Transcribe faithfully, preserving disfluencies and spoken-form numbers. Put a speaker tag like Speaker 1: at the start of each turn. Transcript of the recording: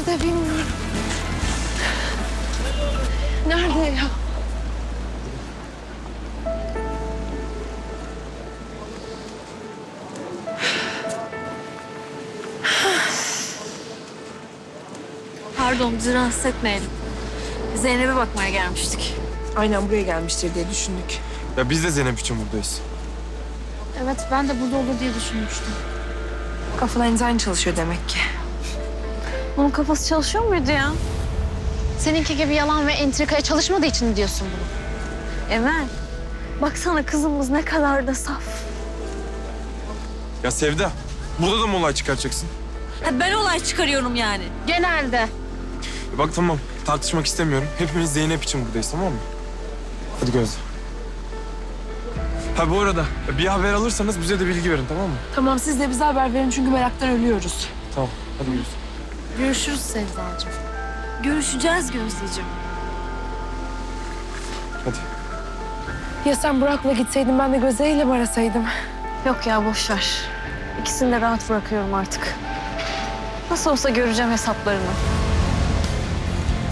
Speaker 1: Nerede bilmiyorum. Nerede ya?
Speaker 2: Pardon, bizi rahatsız etmeyelim. Zeynep'e bakmaya gelmiştik.
Speaker 1: Aynen buraya gelmiştir diye düşündük.
Speaker 3: Ya biz de Zeynep için buradayız.
Speaker 2: Evet, ben de burada olur diye düşünmüştüm.
Speaker 1: Kafalarınız aynı çalışıyor demek ki.
Speaker 2: Bunun kafası çalışıyor muydu ya?
Speaker 4: Seninki gibi yalan ve entrikaya çalışmadığı için mi diyorsun bunu?
Speaker 2: Emel, baksana kızımız ne kadar da saf.
Speaker 3: Ya Sevda, burada da mı olay çıkaracaksın?
Speaker 2: Ha, ben olay çıkarıyorum yani.
Speaker 4: Genelde.
Speaker 3: E bak tamam, tartışmak istemiyorum. Hepimiz Zeynep için buradayız, tamam mı? Hadi Gözde. Ha bu arada bir haber alırsanız bize de bilgi verin, tamam mı?
Speaker 1: Tamam siz de bize haber verin çünkü meraktan ölüyoruz.
Speaker 3: Tamam, hadi Gözde.
Speaker 4: Görüşürüz Sevdacığım.
Speaker 2: Görüşeceğiz Gözdeciğim.
Speaker 3: Hadi.
Speaker 1: Ya sen Burak'la gitseydin ben de Gözde ile mi arasaydım?
Speaker 2: Yok ya, boş ver. İkisini de rahat bırakıyorum artık. Nasıl olsa göreceğim hesaplarını.